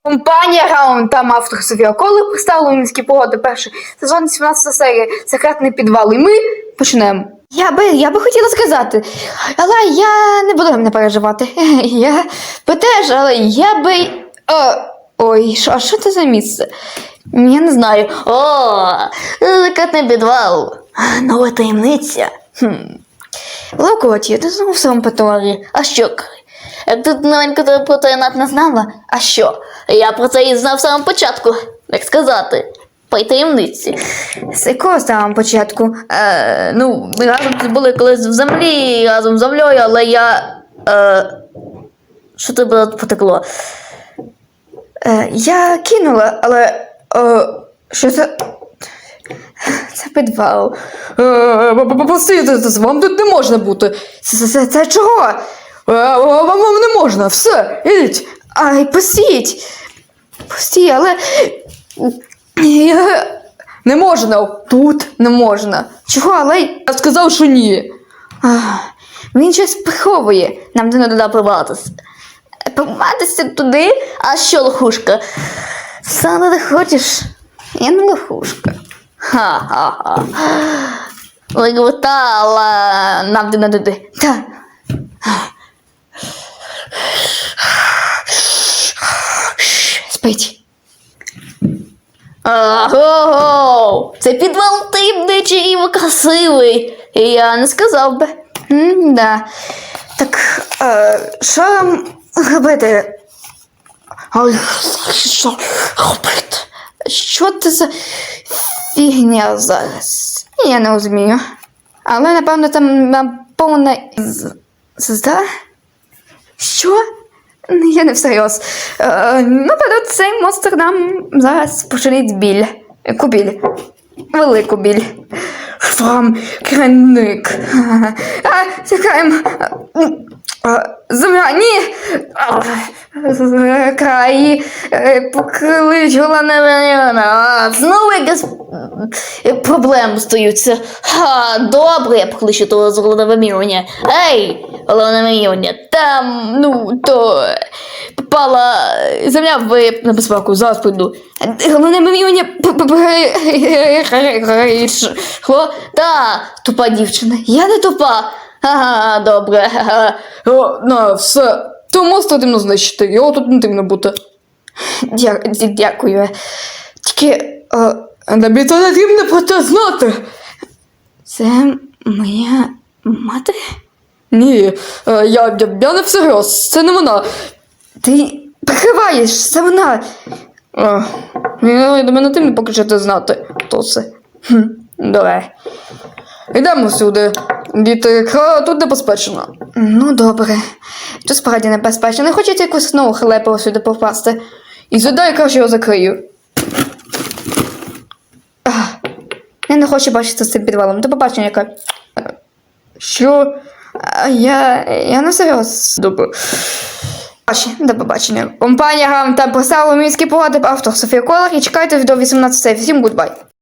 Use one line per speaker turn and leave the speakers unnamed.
Компанія Раунд та автор Софія Коли представили міські погоди перший сезон 17 серія «Секретний підвал». І ми почнемо. Я би хотіла сказати, але я не буду не переживати. Я би теж, але я би... Ой, а що це за місце? Я не знаю.
Секретний підвал. Нова таємниця.
Локоті, ти знову в своєму патрулі.
А що? Як тут новенько про таємнат не знала? А що? Я про це і знав з самого початку. Як сказати? По таємниці.
З якого самого початку?
Ми разом були колись в землі, разом з землею, але я... Що тебе потекло?
Я кинула, але... Що це? Це підвал.
Постійте, вам тут не можна бути.
Це чого?
Вам не можна, все, ідіть.
Ай, пустіть. Пустіть, але...
Не можна, тут не можна.
Чого, але...
Я сказав, що ні.
Він щось приховує.
Нам не треба прибратися.
Поматися туди?
А що, лохушка?
Саме ти хочеш? Я не лохушка.
Ха-ха-ха. Виготала. Нам не туди.
Так. Спить.
Ого! Це підвал таємничий і красивий. Я не сказав би.
Да. Так, що нам робити?
Що робити?
Що це за фігня зараз? Я не розумію. Але, напевно, там повна звезда? Що? Я не всерйоз. Напевно, цей монстр нам зараз починить біль. Яку біль? Велику біль.
Вам кранник.
Чекаємо. Земля, ні! Краї, поклич головне мільйона.
Знову якась проблеми стаються. Добре, я покличу того з головного мільйона. Ей, головне мільйона, там, то попала земля в небезпеку, зараз прийду.
Головне мільйона
Тупа дівчина. Я не тупа. Ага, добре.
Все. То монстра дивно знищити, його тут не дивно бути.
Дякую. Тільки
Тобі то не дивно про це знати.
це моя мати?
Ні, я не всерйоз, це не вона.
Ти прикриваєш, це вона.
До мене дивно поки що це знати, хто це.
Добре.
Йдемо сюди. Діти, тут небезпечно.
Ну, добре. Тут справді небезпечно. Не хочете якусь нову халепу сюди попасти?
І сюди я краще його закрию.
Я не хочу бачити з цим підвалом. До побачення, яка.
Що?
Я не серйоз.
Добре.
До побачення. Компанія Гам та поставила міські погоди автор Софія Колар і чекайте до 18. Всім гудбай.